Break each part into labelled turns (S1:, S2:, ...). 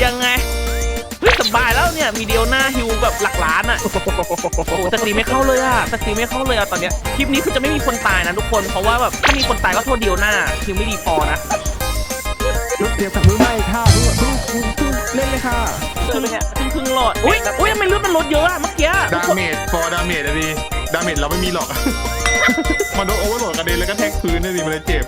S1: ยังไงเฮ้ยสบายแล้วเนี่ยมีเดียวหน้าฮิวแบบหลักล้านอ่ะโอ้โหแต่ตีไม่เข้าเลยอ่ะแต่ตีไม่เข้าเลยอ่ะตอนเนี้ยคลิปนี้คือจะไม่มีคนตายนะทุกคนเพราะว่าแบบถ้ามีคนตายก็โทษเดียวหน้าฮิวไม่ดีพอนะ
S2: ลูกเตรียมกับมือใหม่ค่ะเพิ่งเล่นเลยค่ะ
S1: พึ่งหลอดอุ้ยทำไมเลือดมันลดเยอะอะเมื่อกี้
S3: ดาเมจฟอร์ดาเมจอะดิดาเมจเราไม่มีหรอก มันโดนโอเวอร์โหลดกระเด็นแล้วก็แทกพื้นนะดิมันเลยเจ็บ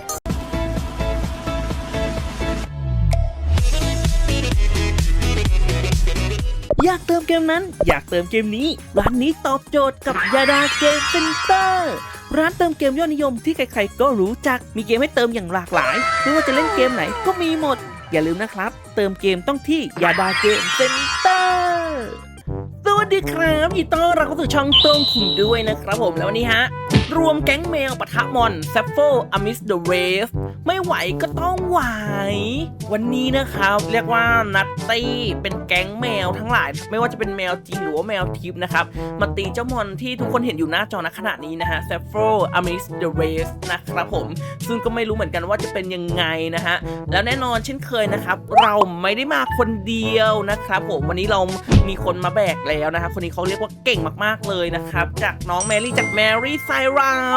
S1: อยากเติมเกมนั้นอยากเติมเกมนี้ร้านนี้ตอบโจทย์กับยาดาเกมเซ็นเตอร์ร้านเติมเกมยอดนิยมที่ใครๆก็รู้จักมีเกมให้เติมอย่างหลากหลายไม่ว่าจะเล่นเกมไหนก็มีหมดอย่าลืมนะครับเติมเกมต้องที่ยาดาเกมเซ็นเตอร์สวัสดีครับยินดีต้อนรับเข้าสู่ช่องโต้งขุนด้วยนะครับผมแล้ววันนี้ฮะรวมแก๊งแมวปะทะมอนแซฟโฟอามิสเดอะเวฟไม่ไหวก็ต้องไหววันนี้นะครับเรียกว่านัตตี้เป็นแก๊งแมวทั้งหลายไม่ว่าจะเป็นแมวจริงหรือว่าแมวทิพย์นะครับมาตีเจ้ามอนที่ทุกคนเห็นอยู่หน้าจอณขณะนี้นะฮะแซฟโฟอามิสเดอะเวฟนะครับผมซึ่งก็ไม่รู้เหมือนกันว่าจะเป็นยังไงนะฮะแล้วแน่นอนเช่นเคยนะครับเราไม่ได้มาคนเดียวนะครับผมวันนี้เรามีคนมาแบกแล้วนะครับคนนี้เขาเรียกว่าเก่งมากๆเลยนะครับจากน้องแมรี่จากแมรี่ไซรัป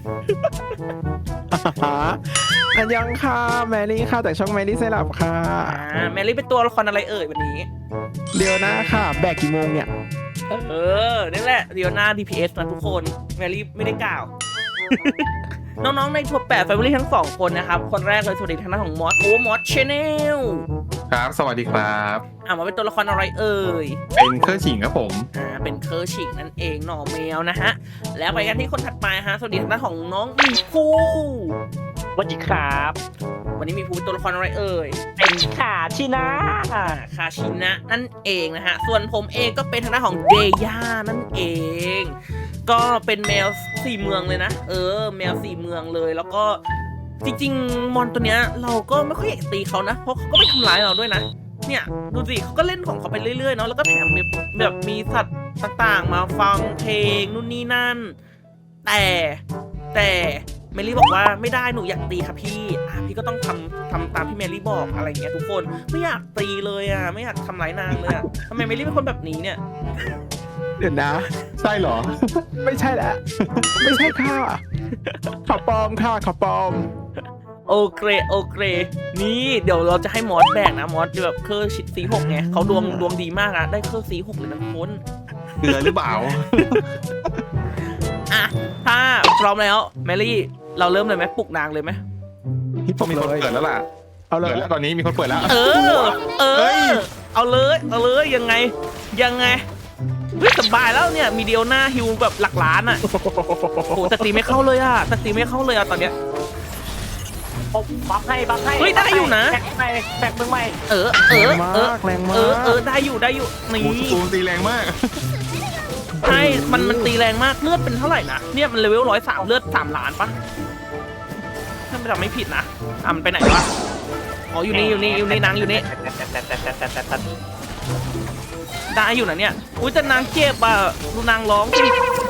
S2: อันยังค่ะแมรี่ค่ะแต่ช่องแมรี่ไซรัปค่ะ
S1: แมรี่เป็นตัวละครอะไรเอ่ยวันนี้
S2: เดี๋ยวนะค่ะแบกกี่โมงเนี่ย
S1: นี่แหละเดียวหน้า DPS นะทุกคนแมรี่ไม่ได้กล่าว น้องๆในทัวร์8 Family ทั้ง2คนนะครับคนแรกเลยสวัสดีทางด้านของมอสมอสชแนล
S3: ครับสวัสดีครับ
S1: มาเป็นตัวละครอะไรเอ่ย
S3: เป็นเครื่องฉิงครับผม
S1: เป็นเคอร์ชิงนั่นเองหน่อแมวนะฮะแล้วไปกันที่คนถัดไปฮะสวัสดีทางด้านของน้องมีภูสวัสดีครับวันนี้มีภูเป็นตัวละครอะไรเอ่ยเป็นขาชินะคาชินะนั่นเองนะฮะส่วนผมเองก็เป็นทางด้านของเดย่านั่นเองก็เป็นแมว4เมืองเลยนะแมว4เมืองเลยแล้วก็จริงๆมอนตัวเนี้ยเราก็ไม่ค่อยอยากตีเขานะเพราะเขาก็ไม่ทำร้ายเราด้วยนะเนี่ยดูสิเขาก็เล่นของเขาไปเรื่อยๆเนาะแล้วก็แถมแบบมีสัตว์ต่างๆมาฟังเพลงนู่นนี่นั่นแต่เมลี่บอกว่าไม่ได้หนูอยากตีค่ะพี่พี่ก็ต้องทำตามที่เมลี่บอกอะไรเงี้ยทุกคนไม่อยากตีเลยไม่อยากทำร้ายนางเลยทำไมเมลี่เป็นคนแบบนี้เนี่ย
S2: เดี๋ยวนะ
S3: ใช่เหรอ
S2: ไม่ใช่แหละไม่ใช่ค่ะขอปลอมค่ะขอปลอม
S1: โอเคนี่เดี๋ยวเราจะให้มอสแบกนะมอสแบบเคอร์ชิดC6ไงเขาดวงดีมากนะได้เคอร์C6เลยนะคน
S3: เกลือหรือเปล่า
S1: ถ้าพร้อมแล้วแมรี่เราเริ่มเลยไหมปลุกนางเลยไหม
S2: พี่
S3: มีคนเปิดแล้วล่ะ
S2: เอาเลย
S3: เปิดแล้วตอนนี้มีคนเปิดแล้ว
S1: เอาเลยยังไงเฮ้ยสบายแล้วเนี่ยมีเดียวหน้าฮิวแบบหลักล้านอ่ะโอ้โหแต่ตีไม่เข้าเลยอ่ะตอนเนี้ย
S4: บัฟให้
S1: เฮ้ยได้อยู่นะ
S4: แบกมึงใหม่
S2: แรงมาก
S1: ได้อยู่นี่
S3: ตูนตีแรงมาก
S1: ใช่มันตีแรงมากเลือดเป็นเท่าไหร่นะเนี่ยมันเลเวล103เลือด3 ล้านปะถ้าไม่ทำไม่ผิดนะมันไปไหนวะอ๋ออยู่นี่นางอยู่นี่ได้อยู่นะเนี่ยอุ้ยแต่นางเจ็บอ่ะดูนางร้องสิ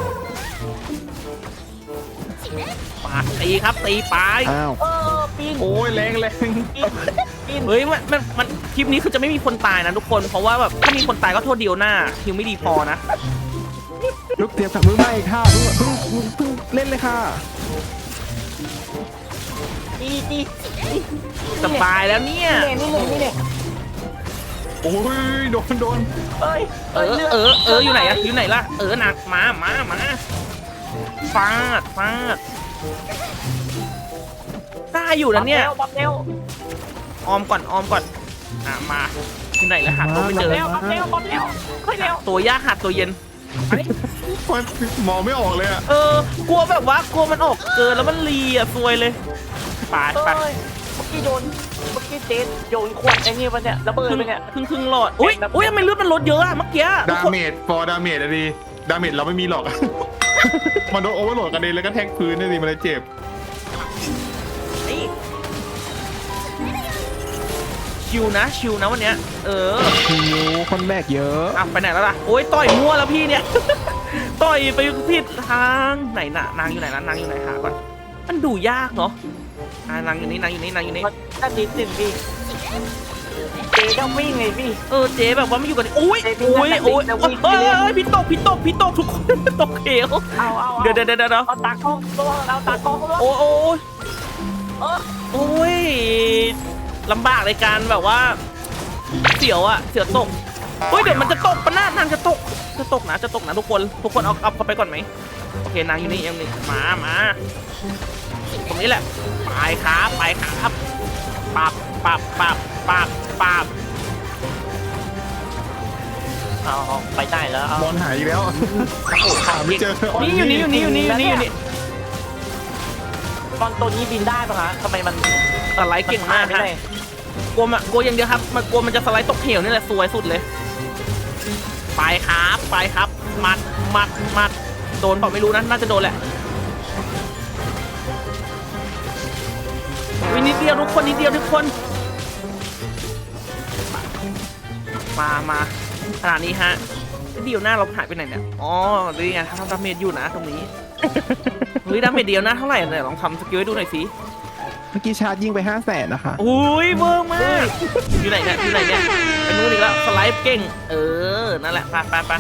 S1: ปาตีครับตีไป
S4: ปีน
S3: โอ้ยแรง
S1: เฮ้ยมันคลิปนี้คือจะไม่มีคนตายนะทุกคนเพราะว่าแบบถ้ามีคนตายก็โทษเดียวหน้าฮิวไม่ดีพอนะ
S2: ลูกเตรียมกับมือใหม่ค่ะเพิ่งเล่นเลยค่ะ
S4: ดี
S1: สบายแล้วเนี่ย
S4: นี่
S3: โอ้ยโดน
S1: อยู่ไหนล่ะหนักมาฟาดได้อยู่นะเนี่ย
S4: บัฟเร็ว
S1: ออมก่อนมาที่ไหนแล้วหาตัวไม่เจอ
S4: บัฟเร็วค่อยเร็ว
S1: ตัวยากหาตัวเย็น
S3: มองไม่ออกเลยอ่ะ
S1: กลัวแบบว่ากลัวมันออกเกินแล้วมันรีซวยเลยไป
S4: เมื่อกี้เจนโยนขวดไอ้นี่มันเนี่ยระเบิดไปเนี่ย
S1: ครึ่งหลอดอุ้ยทำไมเลือดมันลดเยอะอะเมื่อกี้
S3: ดาเมจฟอร์ดาเมจอะดิดาเมจเราไม่มีหรอก มันโดนโอเวอร์โหลดกระเด็นแล้วก็แทกพื้นนะดิมันเลยเจ็บ
S1: ชิวนะวันเนี้ย
S2: คนแบกเยอะ
S1: ไปไหนแล้วล่ะโอ้ยต่อยมั่วแล้วพี่เนี่ย ต่อยไปผิดทางไหนน่ะนางอยู่ไหนหาก่อนมันดูยากเนาะนางอยู่นี่
S4: ถ้าดี1พี่เจ๊ก็วิ่งไงพี่
S1: เจ๊แบบว่าไม่อยู่กันอุ้ย
S4: เจ๊วิ่ง
S1: อุ้ย
S4: นั่นแหละ
S1: อุ้ย
S4: วิ่งวิ่ง
S1: เฮ้
S4: วิ่ง
S1: ยพี่ตกทุกคน ตกเหว
S4: เอา
S1: เดี๋ยว
S4: เอาตากล้องตัวเอาตากล้องตัว
S1: โอ้ย
S4: เออ
S1: โอ้ยลำบากในการแบบว่า เสียวตกเฮ้ยเดี๋ยวมันจะตกปะหน้านางจะตกนะทุกคนเอาเข้าไปก่อนไหมโอเคนางอยู่นี่ยังนี่มาตรงนี้แหละไปครับปับ
S4: เอาไปได้แล้วเอา
S3: บอลหายอีกแล้วหาไม่เจอ
S1: นี่อยู่นี่
S4: ตอนตัวนี้บินได้ปะคะทำไมมัน
S1: สไลด์เก่งมาก
S4: ไม่
S1: ฮะ
S4: ได้
S1: กลัวอย่างเดียวครับมันกลัวมันจะสไลด์ตกเหวนี่แหละสวยสุดเลยไปครับมัดโดนเปล่าไม่รู้นะน่าจะโดนแหละวินิดเดียวทุกคนมาขนาดนี้ฮะเดียวหน้าเราหายไปไหนเนี่ยอ๋อนี่ไงทำดาเมจอยู่นะตรงนี้เฮ้ยดาเมจเดียวหน้าเท่าไหร่เนี่ยลองทำสกิลให้ดูหน่อยสิ
S2: เมื่อกี้ชาร์จยิงไป500,000นะคะ
S1: อุ้ยเวิร์กมากอยู่ไหนเนี่ยเป็นนู้นอีกแล้วสไลด์เก่งนั่นแหละไป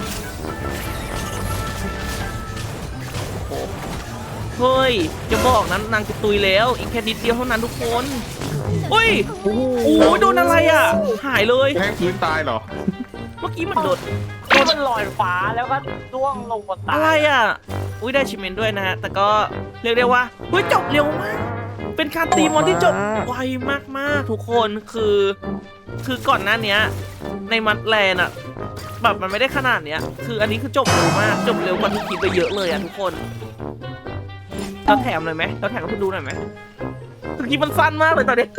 S1: โอ้เฮ้ยจะบอกนั้นนางจะตุยแล้วอีกแค่นิดเดียวเท่านั้นทุกคนอุ้ยโอ้ยโดนอะไรหายเลย
S3: แทงพื้นตายเหรอ
S1: เมื่อกี้มันโดน
S4: ที่มันลอยฟ้าแล้วก็ร่วงลงบนตา
S1: อะไรอุ้ยได้ชิมเมนด้วยนะฮะแต่ก็เรียกได้ว่าเฮ้ยจบเร็วมากเป็นการตีมอนที่จบไวมากๆทุกคนคือก่อนหน้านี้ในมัดแลนด์แบบมันไม่ได้ขนาดเนี้ยคืออันนี้คือจบเร็วมากจบเร็วกว่าที่คิดไปเยอะเลยทุกคนเราแถมหน่อยไหมเราแถมให้คุณดูหน่อยไหมเมื่อกี้มันสั้นมากเลยตอนนี้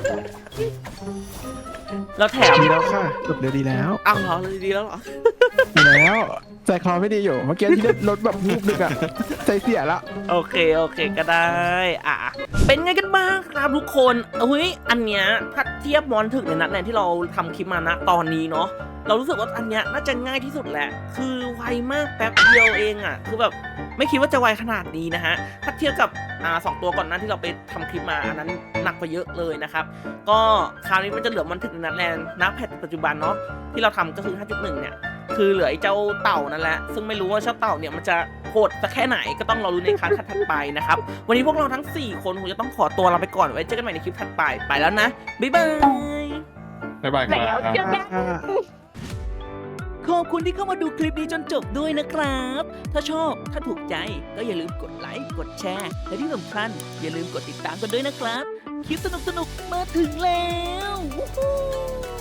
S1: เราแถม
S2: ดีแล้วค่ะจบเร็วดีแล้ว
S1: อ้าวเหรอดีแล้วเหรอ
S2: ดีแล้วใจคอไม่ดีอยู่เมื่อกี้ที่ได้รถแบบรูปนึงอะใจเสียละ
S1: โอเคก็ได้เป็นไงกันบ้างครับทุกคนอันเนี้ยถ้าเทียบมอนถึงในนัดแรกที่เราทำคลิปมานะตอนนี้เนาะเรารู้สึกว่าอันเนี้ยน่าจะง่ายที่สุดแหละคือไวมากแป๊บเดียวเองคือแบบไม่คิดว่าจะไวขนาดนี้นะฮะถ้าเทียบกับ2 ตัวก่อนหน้าที่เราไปทำคลิปมาอันนั้นหนักกว่าเยอะเลยนะครับก็คราวนี้มันจะเหลือมอนถึงในนัดแรกนะแพทปัจจุบันเนาะที่เราทำก็คือ 5.1 เนี่ยคือเหลือไอ้เจ้าเต่านั่นแหละซึ่งไม่รู้ว่าเจ้าเต่าเนี่ยมันจะโหดสักแค่ไหนก็ต้องรอรู้ในครั้งถัดไปนะครับวันนี้พวกเราทั้ง4คนคงจะต้องขอตัวลาไปก่อนไว้เจอกันใหม่ในคลิปถัดไปแล้วนะบ๊ายบาย
S3: บ๊ายบายค
S4: แล้ว
S3: รับ
S4: เจอกัน
S1: ขอบคุณที่เข้ามาดูคลิปนี้จนจบด้วยนะครับ ถ้าชอบถ้าถูกใจก็อย่าลืมกดไลค์กดแชร์และที่สำคัญอย่าลืมกดติดตามกันด้วยนะครับคลิปสนุกๆมาถึงแล้ววู้ฮู้